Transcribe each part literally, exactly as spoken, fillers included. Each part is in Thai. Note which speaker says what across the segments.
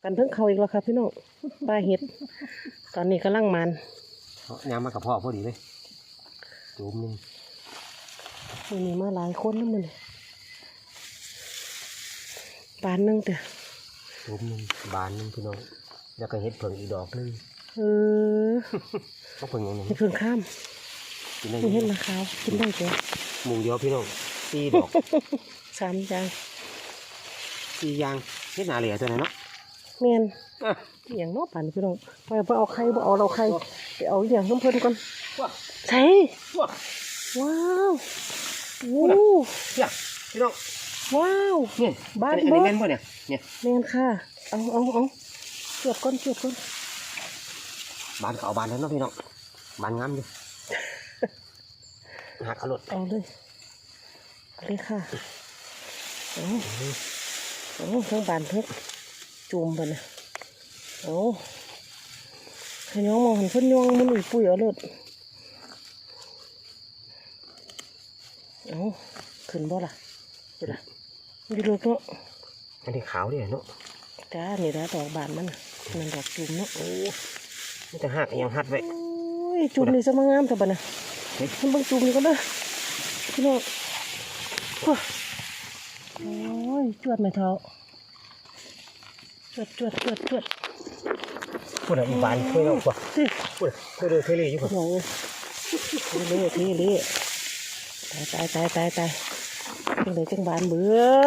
Speaker 1: กันเพิ่งเขาอีกแล้วครับพี่น้องปลาเห็ดตอนนี้กำลังมัน
Speaker 2: ยำมากับพ่อพอดีเลยจุ่มนึง
Speaker 1: มันมีมาหลายคนแล้วมันปานนึงแต่
Speaker 2: จุ่มนึงบานนึงพี่น้องแล้วก็เห็ดเผิงอีกดอกนึง
Speaker 1: เออ
Speaker 2: ก็เผิงอย่างนี้
Speaker 1: เห็ดเผิงข้ามไม่เห็นราคากินได้จ้ะ
Speaker 2: หมูเดียวพี่น้องสี่ดอก
Speaker 1: สามจาน
Speaker 2: สี่ยางเห็ดหนาเหลี่ยตัวไหนเนาะ
Speaker 1: เมียนอย่างนอกป่านพี่น้องไปไปเอาไข่ไปเอาเราไข่ไปเอาอย่างน้ำเพลินก่อนใช่ว้าววู้
Speaker 2: เนี่ยพี่น้อง
Speaker 1: ว้าว
Speaker 2: เนี่ย
Speaker 1: บ้าน
Speaker 2: เบิ้ลเนี่ยเนี่ย
Speaker 1: เมียนค่ะเอาเอาเอาเกือบก้นเกือบก้น
Speaker 2: บานเขาบานแล้วเนาะพี่น้องบานงามอยู่หักเอารถ
Speaker 1: เอาเลยเอาเลยค่ะเอาเอาทั้งบานทั้งจุ่มไปนะเอาขย้องมองหันเพิ่นย้องมันอีปุ๋ยเอาเลยเอาขึ้นบ่ล่ะเดี๋ยวล่ะดีเลยเนาะ
Speaker 2: อันนี้ขาวดิเนาะ
Speaker 1: จ้านี่ละดอกบานมันมันดอกจุ่มเนาะโอ้
Speaker 2: มันจะหักยังหัดไว้
Speaker 1: จุ่มนี่จะมางามแต่บ้านะมันบางจุ่มนี่ก็ได้พี่น้องโอ้ยจวดไม่เท่าจวดจวดจวดจวด
Speaker 2: พูดอะไรอีบานช่วยเรากว่าพูดพูดเลยเทเลอยู่กว่า
Speaker 1: เทเลเทเลตายตายตายตายจังเลยจังบานเบิด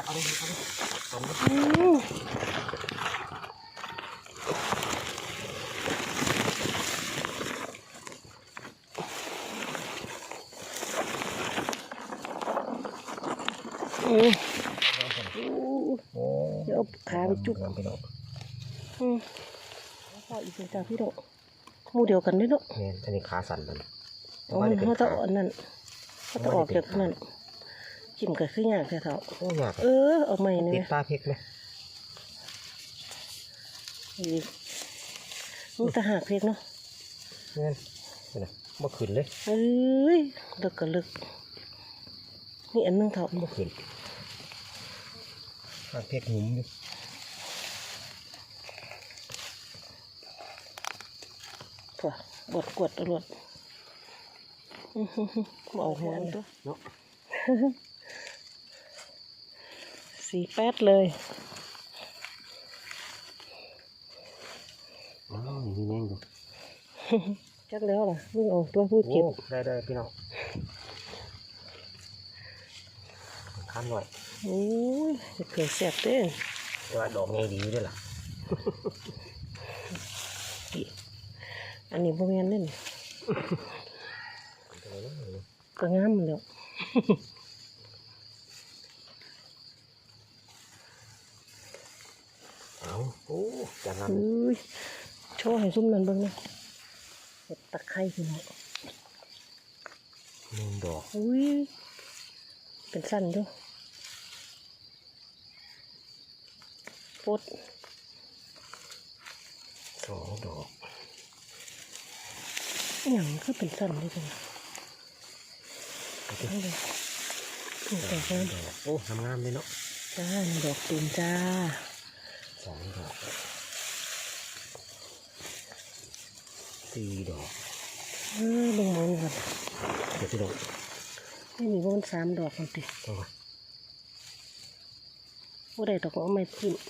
Speaker 1: อืมเดี๋ยวขาไปจุกอืมพออีกเป็นจ้าพี่โดมูเดียวกันด้วยเนาะ
Speaker 2: เนี่ยอันนี้ขาสั่นมัน
Speaker 1: อ๋อเขาจะอ่อนนั่นเขาจะออกจากนั่นจิ้มกับขึ้นยากแค่เท่า
Speaker 2: โอ้ยาก
Speaker 1: เออออกใหม่เนี่ย
Speaker 2: ติดตาเพกไหม
Speaker 1: อีกลูกตาหักเพกเนาะ
Speaker 2: เนี่ยเนี่ยมาขึ้นเลย
Speaker 1: เอ้ยลึกกับลึกนี่อันนึงเท่า
Speaker 2: มาขึ้นหักเพกหุ่มอยู่
Speaker 1: ถั่วบดกวดตลอดเอาหัวตัวเนาะสีแป๊ดเลย
Speaker 2: อ๋อมีแมงดู
Speaker 1: จักแล้วล่ะมึงเอาตัวพูดเก็บ
Speaker 2: ได้ได้พี่น้องข้ามหน่อย
Speaker 1: โอ้ยเผื่อแสบเต้
Speaker 2: ตัวดอกไงดีด้วยล่ะ
Speaker 1: อันนี้พวกนี้เล่นก็งามแล้ว
Speaker 2: เอาโอ้จังงาม
Speaker 1: โชว์ให้ซุ่มนั่นเบิ่งนะเห็ดตะไคร้พี่น้อง
Speaker 2: หนึ่งดอก
Speaker 1: อุ้ยเป็นสั้นด้วยปด
Speaker 2: สองดอก
Speaker 1: อย่างก็เป็นสั้นด้วยกันเอาเลยแต่ก็
Speaker 2: โอ้ทำงามเลยเนาะ
Speaker 1: จ้าดอกตูมจ้า
Speaker 2: สองดอกสี่ดอก
Speaker 1: เออลงมันก่อน
Speaker 2: เดี๋ยวพี่ดอก
Speaker 1: ไม่มีว่ามันสามดอกมันติดว่าได้ดอกเอาไม้พิมพ์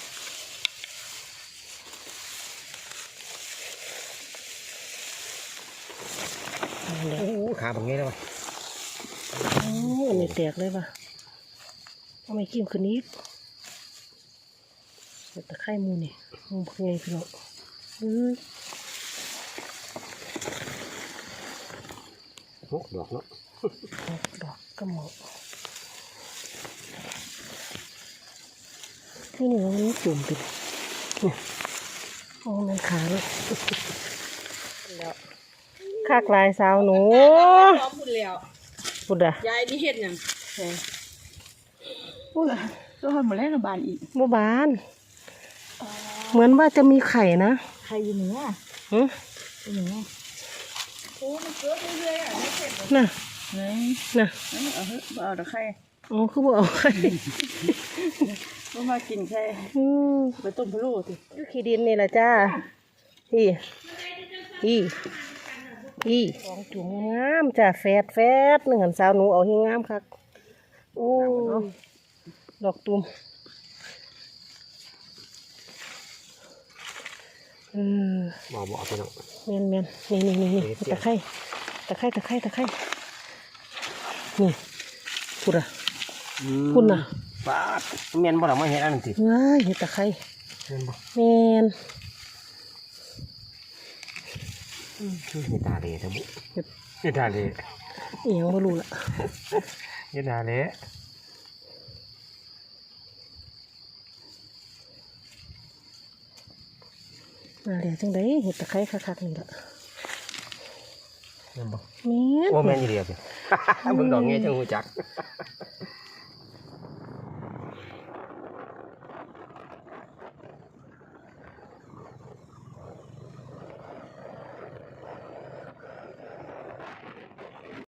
Speaker 2: โอ้ขาแบบนี้เลยวะ
Speaker 1: โอ้อันนี้แตกเลยว่ะเอาไม้กิ้มคืนนี้ตะไคร้มูนี่มูเพื่อพี่น้องเออ
Speaker 2: หกดอกเนาะ
Speaker 1: หกดอกก็เหมาะที่นี่มันจุ่มติดโอ้มันขาเลยแล้วคากลายสาวหนู
Speaker 3: พูดแล้ว
Speaker 1: พูดอะ
Speaker 3: ยายนี่เห็ดยังพูดอะตัวคนหมดแล้วกับบานอีก
Speaker 1: บ่บานเหมือนว่าจะมีไข่นะ
Speaker 3: ไข่อยู่เหนือ
Speaker 1: หือ
Speaker 3: อยู่เหนือโอ้มันเกิดเรื่อยๆอ่ะไม่เสร็จ
Speaker 1: น่ะ
Speaker 3: ไง
Speaker 1: น่ะ
Speaker 3: เอาเถอะเอาแต่ไข่
Speaker 1: อ๋อคือบ่เอาไข่
Speaker 3: ก็มากินใช่
Speaker 1: อืม
Speaker 3: ไปต้มพะโล้สิ
Speaker 1: อยู่ขี้ดินนี่แหละจ้าพี่พี่พี่สองจุ่มงามจ้าแฟดแฟดหนึ่งหันสาวหนูเอาให้งามคักโอ้ยดอกตุ่มเออ
Speaker 2: บอกบอกไปเนาะ
Speaker 1: เมียนเมียนนี่นี่นี่นี่
Speaker 2: เดี๋ยว
Speaker 1: ตะไคร้ตะไคร้ตะไคร้ตะไคร้นี่พูดอะพูดน่ะ
Speaker 2: ป้าดเมียนบ่ล่ะมาเฮ็ดอันนั้นติ
Speaker 1: เฮ้ยเห็ดตะไคร้
Speaker 2: เมียนบ่
Speaker 1: เมียน
Speaker 2: คือเฮ็ดตาเละทั้งบุ
Speaker 1: เห็ด
Speaker 2: เฮ็ดตาเละ
Speaker 1: อีหยังไม่รู้ละ
Speaker 2: เฮ็ดตาเละ
Speaker 1: มาเลยจังไดเห็ดตะไคร้คักๆนี่ละ
Speaker 2: เมียนบ่
Speaker 1: เมียน
Speaker 2: โอ้แม่นอีเดียวสิ เบิ่งดอกเงี้ยจังฮู้จัก